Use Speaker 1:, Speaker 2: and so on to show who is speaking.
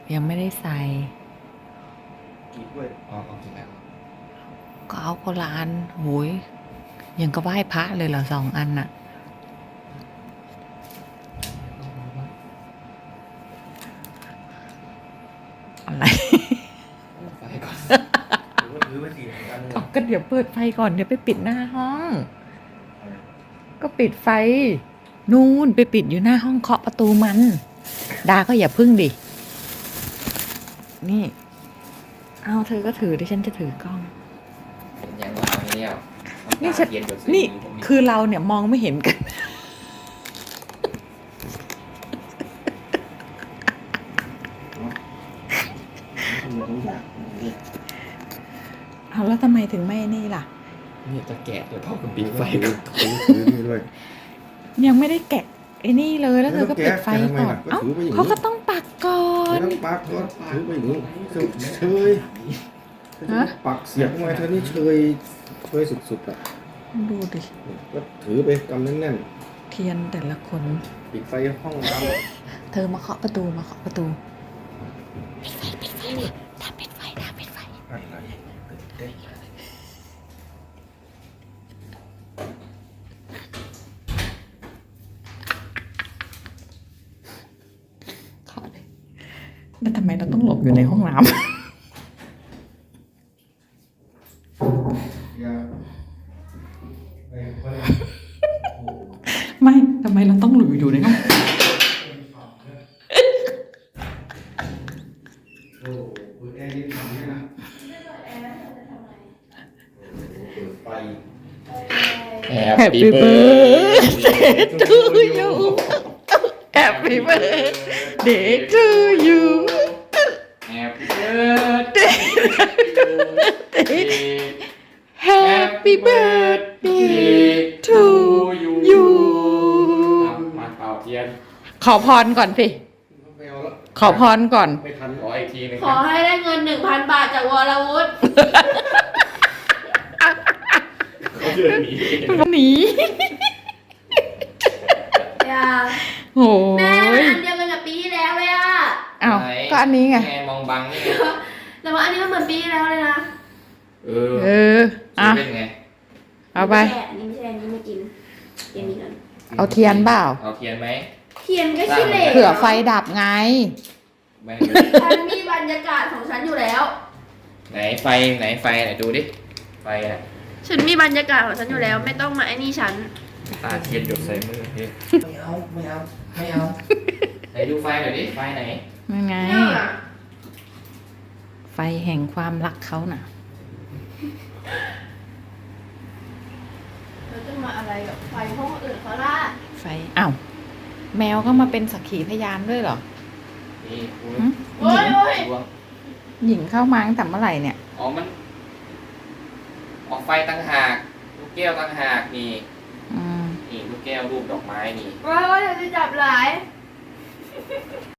Speaker 1: ยังไม่ได้ใส่
Speaker 2: กี่กล้วยอ๋อถูกแล้ว
Speaker 1: ก็เอาคนละอันโหยยังก็ไหว้พระเลยเหรอ2 อันน่ะอะไร
Speaker 2: ไฟก่อนหรือว่าถือไปสี่อันเลย
Speaker 1: ก็เดี๋ยวเปิดไฟก่อนเดี๋ยวไปปิดหน้าห้อง ก็ปิดไฟนู่นไปปิดอยู่หน้าห้องเคาะประตูมัน ดาก็อย่าพึ่งดินี่เอาเธอก็ถือดิฉันจะถือกล้อง
Speaker 2: ยังวางเนี่ย
Speaker 1: นี่ฉันนี่คือเราเนี่ยมองไม่เห็นกัน เอาแล้วทำไมถึงไม่นี่ล่ะ
Speaker 2: นี่จะแกะเดี๋ยวพ่อกับปิดไฟ
Speaker 3: ถือนี่ด้วย
Speaker 1: ยังไม่ได้แกะไอ้นี่เลยแล้วเธอก็ปิดไฟก่อน
Speaker 3: แล้วแกะทำไมล่ะก็
Speaker 1: เอ้า
Speaker 3: ถือไปอย่างนี้
Speaker 1: เขาก็ต้องปักก่อน
Speaker 3: ไม่ต้องปักก็ถือไปอย่างนี้เชย
Speaker 1: ฮะ
Speaker 3: ปักเสียบเข้ามาเธอนี่เชยสุดๆอ่ะ
Speaker 1: ดูดิ
Speaker 3: ก็ถือไปกำแน่น
Speaker 1: เทียนแต่ละคน
Speaker 3: ๆปิดไฟห้องน้ำ
Speaker 1: เธอมาเคาะประตูมาเคาะประตูปิดไฟนะทำปิดไฟ
Speaker 3: อะไรเต้น
Speaker 1: เคาะเลยแล้วทำไมเราต้องหลบอยู่ในห้องน้ำ
Speaker 3: อย่า
Speaker 1: ไม่ทำไมเราต้องหลบอยู่ในห้อง
Speaker 3: โอ้เปิดแอร์ดีขนาดนี้นะเปิดไฟ
Speaker 1: Happy birthday to you Happy birthday to you
Speaker 2: Happy birthday
Speaker 1: Happy birthday to you
Speaker 2: มาเป่าเทียน
Speaker 1: ขอพรก่อนสิ
Speaker 3: ไม่เอาละ
Speaker 1: ขอพรก่อน
Speaker 3: ไม่ทัน
Speaker 2: ขออีกทีหนึง
Speaker 4: ขอให้ได้เงิน 1,000 บาทจากวรวุฒิ
Speaker 2: เขาเดินหนี
Speaker 1: หนี
Speaker 4: อย่า
Speaker 1: โอ้
Speaker 4: แม่มัน
Speaker 1: ย
Speaker 4: อันเดียวกันกับปีที่แล้วเลยอะ
Speaker 1: อ้าวก็อันนี้ไง
Speaker 2: มองบังนี่ไง
Speaker 4: แต่ว่าอันนี้มันเหมือนปีที่แล้วเลยนะ
Speaker 2: เอ
Speaker 1: เออ อ่ะ
Speaker 2: เป็นไง
Speaker 1: เอาไป
Speaker 4: อันนี้ไม่ใช่อันนี้ไม่กินกินนี้กัน
Speaker 1: เอาเทียนเปล่า
Speaker 2: เอาเทียนไหม
Speaker 4: เทียนก็ขี้เหร่
Speaker 1: เผื่อไฟดับไง
Speaker 2: ไม่
Speaker 4: ฉันมีบรรยากาศของฉันอยู่แล้ว
Speaker 2: ไหนไฟไหนดูดิ ไฟน่ะ
Speaker 4: ฉันมีบรรยากาศของฉันอยู่แล้ว ไม่ต้องมาไอ้นี่ฉัน
Speaker 2: ตาเทียนหยดใส่มือพี่ไม่เอาไหนดูไฟหน่อยดิ ไฟไหน
Speaker 1: นั่นไง
Speaker 4: เนี่ยอะ
Speaker 1: ไฟแห่งความรักเขาน่ะ
Speaker 4: เราจะมาอะไรกับไฟห้องอื่นเขาล่ะ
Speaker 1: ไฟ อ้าว แมวก็มาเป็นสักขีพยานด้วยเหรอ
Speaker 2: นี่คุณ
Speaker 1: หึ
Speaker 4: โอ้ยโอ้ย
Speaker 2: ดวง
Speaker 1: หญิงเข้ามาตั้งแต่เมื่อไหร่เนี่ย
Speaker 2: อ๋อมัน ออกไฟตั้งหากลูกแก้วตั้งหากนี่
Speaker 1: อืม
Speaker 2: นี่ลูกแก้วรูปดอกไม้นี่
Speaker 4: โอ้ยโอ้ยอย่าจะจับหลาย